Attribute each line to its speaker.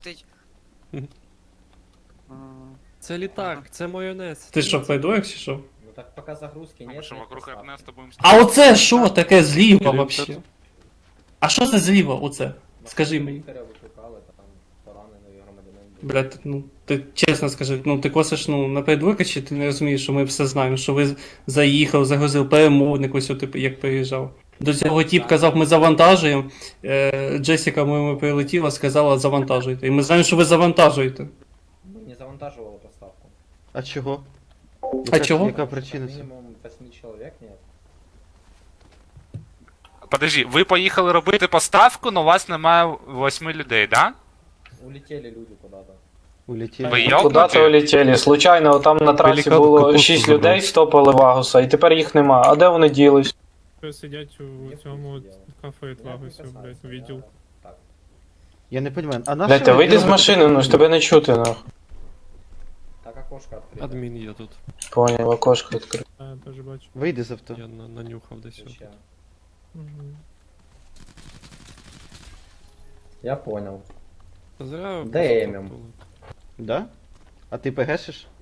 Speaker 1: Тить.
Speaker 2: Це літак, це майонез.
Speaker 3: Ти що, флайдуєш чи що?
Speaker 4: Ну так пока загрузки нет.
Speaker 5: Что,
Speaker 4: нет
Speaker 5: вокруг
Speaker 4: поставки.
Speaker 5: Эрнеста будем...
Speaker 3: А оце що таке зліва
Speaker 2: Кирил,
Speaker 3: вообще? А що це зліва оце? Скажи мені.
Speaker 4: Лікаря викликали, там поранений громадянин був.
Speaker 3: Блядь, ну ти чесно скажи, ну ти косиш ну наперед чи ти не розумієш, що ми все знаємо, що ви заїхав, загрузив перемовник, ось типу, як приїжджав. До цього тіп казав, ми завантажуємо. Джесіка ми прилетіла, сказала завантажуйте. І ми знаємо, що ви завантажуєте.
Speaker 4: Ми не завантажували поставку.
Speaker 6: А чого?
Speaker 3: А чого?
Speaker 6: Яка причина?
Speaker 4: Мінімум 8 чоловік нет.
Speaker 5: Подожди, ви поїхали робити поставку, но у вас немає 8 людей, да?
Speaker 4: Улетели люди куда-то.
Speaker 6: Улетіли.
Speaker 5: Ви
Speaker 3: Куда-то
Speaker 5: йокнуті?
Speaker 3: улетіли. Случайно там на трасі
Speaker 2: Пелікан
Speaker 3: було
Speaker 2: капусту
Speaker 3: 6
Speaker 2: забрав.
Speaker 3: людей, стопили Вагуса, і тепер їх нема. А де вони ділись?
Speaker 7: Сидять у цьому кафе Твагусі, блядь, у відділ.
Speaker 4: Так.
Speaker 6: Я не розумію, а наш...
Speaker 3: Блядь, ти вийди з машини, ну ж тебе не чути, нахуй.
Speaker 4: Так окошко відкрите.
Speaker 2: Адмін є тут.
Speaker 3: Поняв, окошко відкрив.
Speaker 7: А, я теж бачу.
Speaker 6: Вийди з авто.
Speaker 2: Я нанюхав десь. його.
Speaker 4: Ще.
Speaker 7: Мгм.
Speaker 4: Я понял.
Speaker 2: Зря.
Speaker 4: Демім.
Speaker 2: поступили.
Speaker 6: Да? А ти ПГшиш?